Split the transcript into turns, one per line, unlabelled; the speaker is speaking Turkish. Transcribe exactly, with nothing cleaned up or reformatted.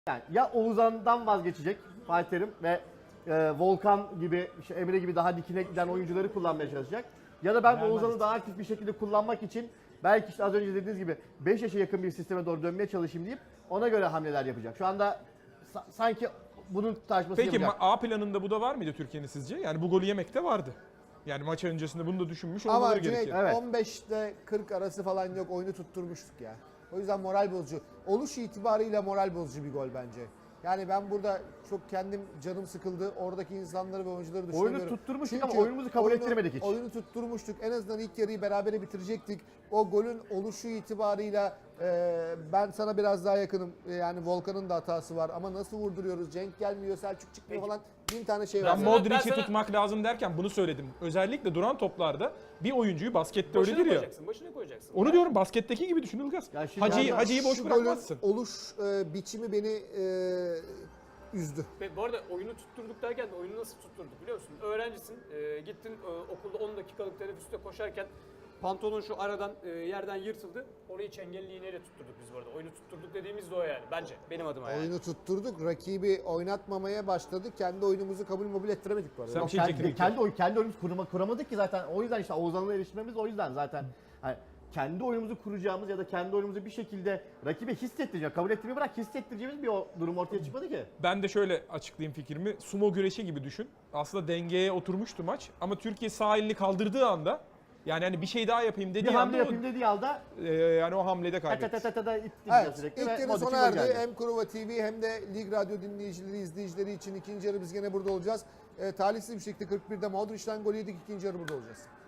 Yani ya Oğuzhan'dan vazgeçecek Fatih Terim ve e, Volkan gibi, işte Emre gibi daha dikine giden oyuncuları kullanmaya çalışacak. Ya da ben
Vermez.
Oğuzhan'ı daha aktif bir şekilde kullanmak için belki işte az önce dediğiniz gibi beş yaşa yakın bir sisteme doğru dönmeye çalışayım deyip ona göre hamleler yapacak. Şu anda sa- sanki bunun tartışmasını
Peki
yapacak.
ma- A planında bu da var mıydı Türkiye'nin sizce? Yani bu golü yemekte vardı. Yani maç öncesinde bunu da düşünmüş olmaları
Ama Cüneyt
gerekiyor.
Evet.
on beşte kırk arası falan yok, oyunu tutturmuştuk ya. O yüzden moral bozucu. Oluş itibarıyla moral bozucu bir gol bence. Yani ben burada çok kendim canım sıkıldı. Oradaki insanları ve oyuncuları düşünüyorum.
Oyunu tutturmuştuk
Çünkü
ama oyunumuzu kabul
oyunu-
ettiremedik hiç.
Oyunu tutturmuştuk. En azından ilk yarıyı berabere bitirecektik. O golün oluşu itibarıyla e, ben sana biraz daha yakınım. E, yani Volkan'ın da hatası var ama nasıl vurduruyoruz? Cenk gelmiyor, Selçuk çıkmıyor falan. Bin tane şey var.
Ben
sana- ben
Modric'i
sana-
tutmak lazım derken bunu söyledim. Özellikle duran toplarda bir oyuncuyu baskette
Başına
öyledir ya.
koyacaksın, başına koyacaksın.
Onu diyorum, basketteki gibi düşün Ilgaz.
Ya şimdi
Hacı'yı,
yani
Hacı'yı boş
Şu golün
bırakmazsın.
oluş e, biçimi beni e, üzdü.
Ve bu arada oyunu tutturduk derken de oyunu nasıl tutturduk biliyor musun? Öğrencisin, e, gittin e, okulda on dakikalık teneffüste koşarken pantolon şu aradan e, yerden yırtıldı. Orayı çengelli iğneyle tutturduk biz bu arada. Oyunu tutturduk dediğimiz de o yani bence benim adıma yani.
Oyunu tutturduk, rakibi oynatmamaya başladık. Kendi oyunumuzu kabul mobil ettiremedik bu arada.
Sen-
Yok,
bir şey
kendi,
çekelim.
kendi, oy, kendi oyunumuzu kurma, kuramadık ki zaten. O yüzden işte Oğuzhan'la erişmemiz o yüzden zaten. Hani kendi oyunumuzu kuracağımız ya da kendi oyunumuzu bir şekilde rakibe hissettireceğiz. Kabul ettirmeyi bırak, hissettireceğimiz bir o durum ortaya çıkmadı ki.
Ben de şöyle açıklayayım fikrimi. Sumo güreşi gibi düşün. Aslında dengeye oturmuştu maç. Ama Türkiye sağ elini kaldırdığı anda, yani hani bir şey daha yapayım
Bir
dediği
hamle
anda
yapayım dediği anda
o, e, yani o hamlede
ta ta ta
kaybetti.
ta ta ta ittim
Evet,
sürekli
ilk
ve
yarı
Modric'in
sona
golü
erdi.
geldi.
Hem Kurova T V hem de Lig Radyo dinleyicileri, izleyicileri için ikinci yarı biz gene burada olacağız. E, talihsiz bir şekilde kırk birde Modric'ten gol yedik, ikinci yarı burada olacağız.